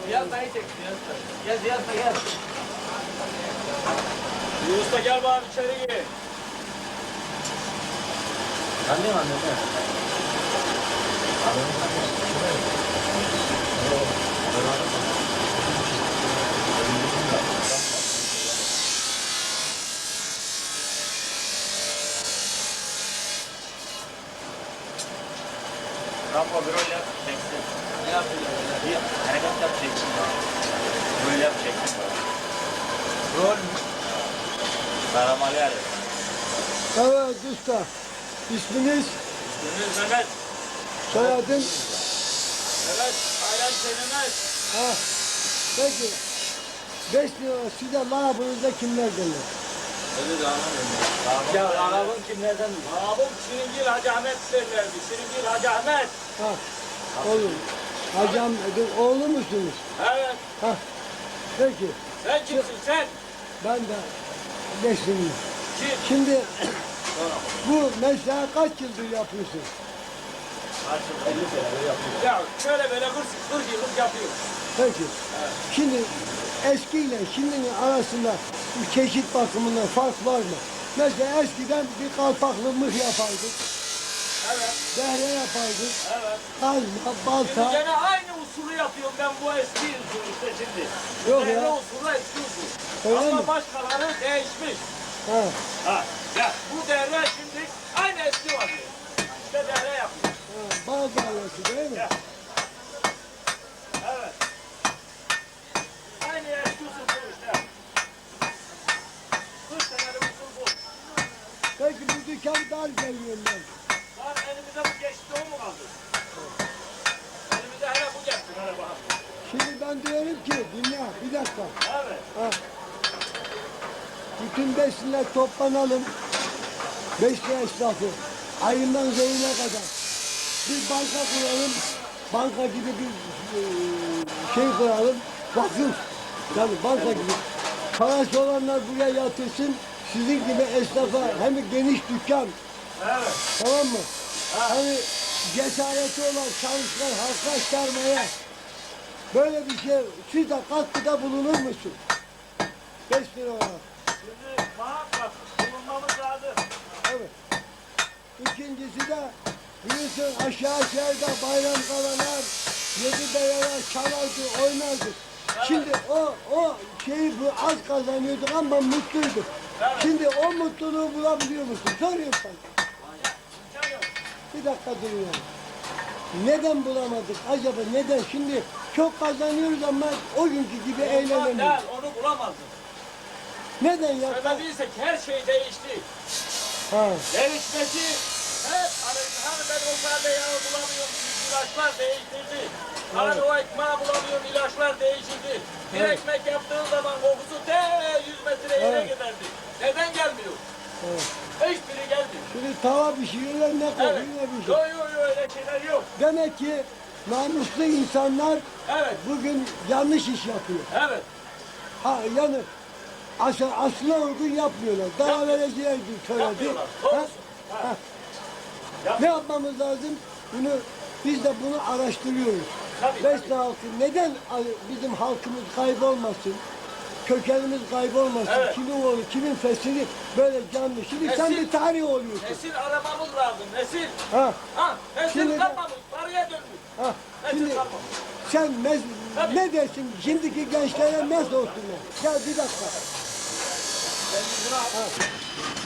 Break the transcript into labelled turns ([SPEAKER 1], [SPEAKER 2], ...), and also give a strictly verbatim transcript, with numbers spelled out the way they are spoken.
[SPEAKER 1] Ziyad dayı çek, Ziyad dayı. Gel Ziyad dayı gel.
[SPEAKER 2] Yunus da gel bari içeri gir.
[SPEAKER 1] Anlayayım anlayayım.
[SPEAKER 2] Rambo bir rol yap, çeksin.
[SPEAKER 1] Ne yapıyorsun?
[SPEAKER 2] Bir hareket yap, çeksin. Rol yap, çeksin.
[SPEAKER 1] Rol mü?
[SPEAKER 2] Karamalı yer.
[SPEAKER 3] Evet usta. İsminiz,
[SPEAKER 2] Ünlüz Mehmet.
[SPEAKER 3] soyadın?
[SPEAKER 2] Evet, aynen Mehmet.
[SPEAKER 3] Ha. Peki. Beş lira size labınızda kimler gelir?
[SPEAKER 1] Öyle de anlamıyorum. Ya Arap'ın kimlerden?
[SPEAKER 2] Abim Şiringil Hacı Ahmet derlerdi. Şiringil Hacı Ahmet.
[SPEAKER 3] Ha. Olur. Hacam, oğlu musunuz?
[SPEAKER 2] Evet.
[SPEAKER 3] Ha. Peki.
[SPEAKER 2] Sen kimsin sen?
[SPEAKER 3] Ben de beşliyim.
[SPEAKER 2] Kim?
[SPEAKER 3] Şimdi bu mesleği kaç yıldır yapıyorsun?
[SPEAKER 1] elli senedir yapıyor.
[SPEAKER 2] Ya şöyle böyle kırk, kırk yıllık yapıyor.
[SPEAKER 3] Peki. Şimdi eskiyle şimdinin arasında bir çeşit bakımından fark var mı? Mesela eskiden bir kalpaklı mıh yapardık.
[SPEAKER 2] Evet.
[SPEAKER 3] Dehre yapardık.
[SPEAKER 2] Evet.
[SPEAKER 3] Kazma,
[SPEAKER 2] Şimdi
[SPEAKER 3] balta.
[SPEAKER 2] gene aynı usulü yapıyorum ben bu eski usul işte şimdi.
[SPEAKER 3] Yok
[SPEAKER 2] Devre
[SPEAKER 3] ya.
[SPEAKER 2] usulü eski usul.
[SPEAKER 3] Öyle
[SPEAKER 2] Ama
[SPEAKER 3] mi?
[SPEAKER 2] başkaları değişmiş.
[SPEAKER 3] Ha.
[SPEAKER 2] Ha. Ya bu devre şimdi aynı eski var. İşte devre yapıyor.
[SPEAKER 3] Ha, bal dairesi değil mi?
[SPEAKER 2] Ya. Evet. Aynı eski usul bu işte. kırk senelik usul bu.
[SPEAKER 3] Peki bu dükkan dar geliyor ben.
[SPEAKER 2] Lan elimize bu geçti o mu kaldı? Elimize hele bu geçti. Hele bakalım.
[SPEAKER 3] Şimdi ben diyorum ki dinle bir dakika.
[SPEAKER 2] Evet.
[SPEAKER 3] Ha. Bütün besinler toplanalım. Beş lira esnafı. Ayından zeyine kadar. Bir banka kuralım. Banka gibi bir e, şey kuralım. Vakıf. Yani banka gibi. Parası olanlar buraya yatırsın. Sizin gibi esnafa hem geniş dükkan.
[SPEAKER 2] Evet.
[SPEAKER 3] Tamam mı? Hani cesareti olan çalışkan halka aktarmaya böyle bir şey, siz de katkıda bulunur musun? Beş lira olarak.
[SPEAKER 2] Şimdi muhakkak bulunmamız lazım.
[SPEAKER 3] Evet. İkincisi de biliyorsun aşağı şehirde bayram kalanlar, yedi beyalar çalardı, oynardı. Şimdi o, o şeyi bu az kazanıyorduk ama mutluyduk.
[SPEAKER 2] Evet.
[SPEAKER 3] Şimdi o mutluluğu bulabiliyor musun? Soruyorum sana.
[SPEAKER 2] İmkan yok.
[SPEAKER 3] Bir dakika durun ya. Neden bulamadık acaba? Neden? Şimdi çok kazanıyoruz ama o günkü gibi
[SPEAKER 2] Ondan
[SPEAKER 3] eğlenemiyoruz.
[SPEAKER 2] değil, onu bulamazdın.
[SPEAKER 3] Neden ya?
[SPEAKER 2] Sebebi ise her şey değişti.
[SPEAKER 3] Ha.
[SPEAKER 2] Değişmesi hep arayın. Hani ben o sade yağı bulamıyorum. İlaçlar değiştirdi. Hani o ekmeği bulamıyorum. İlaçlar değiştirdi. Bir
[SPEAKER 3] Evet.
[SPEAKER 2] ekmek yaptığın zaman kokusu de yüz metre yere
[SPEAKER 3] Evet.
[SPEAKER 2] giderdi. Neden gelmiyor?
[SPEAKER 3] Evet.
[SPEAKER 2] Hiçbiri gelmiyor.
[SPEAKER 3] Şimdi tava pişiriyorlar ne kokuyor
[SPEAKER 2] Evet.
[SPEAKER 3] ne bir şey.
[SPEAKER 2] Yok yok yok öyle şeyler yok.
[SPEAKER 3] Demek ki namuslu insanlar
[SPEAKER 2] Evet.
[SPEAKER 3] bugün yanlış iş yapıyor.
[SPEAKER 2] Evet.
[SPEAKER 3] Ha yani asıl, aslına uygun yapmıyorlar. Daha
[SPEAKER 2] Yapmıyor.
[SPEAKER 3] vereceği söyledi.
[SPEAKER 2] Yapmıyorlar.
[SPEAKER 3] Ha?
[SPEAKER 2] Doğrusu. Ha.
[SPEAKER 3] Ha.
[SPEAKER 2] Yap.
[SPEAKER 3] Ne yapmamız lazım? Bunu biz de bunu araştırıyoruz.
[SPEAKER 2] Tabii,
[SPEAKER 3] Besle
[SPEAKER 2] tabii.
[SPEAKER 3] halkı neden bizim halkımız kaybolmasın? Kökenimiz kaybolmasın.
[SPEAKER 2] Evet.
[SPEAKER 3] Kimin oğlu, kimin fesili böyle canlı. Şimdi sen
[SPEAKER 2] Nesil-
[SPEAKER 3] bir tarih oluyorsun.
[SPEAKER 2] Nesil aramamız lazım. Nesil.
[SPEAKER 3] Ha.
[SPEAKER 2] Ha. Nesil
[SPEAKER 3] Şimdi de-
[SPEAKER 2] kalmamış. Paraya dönmüş.
[SPEAKER 3] Ha.
[SPEAKER 2] Nesil
[SPEAKER 3] Şimdi
[SPEAKER 2] kalmamış.
[SPEAKER 3] sen mes-
[SPEAKER 2] Tabii.
[SPEAKER 3] ne dersin? Şimdiki gençlere nasıl olsunlar? Ya bir dakika.
[SPEAKER 2] Ben buna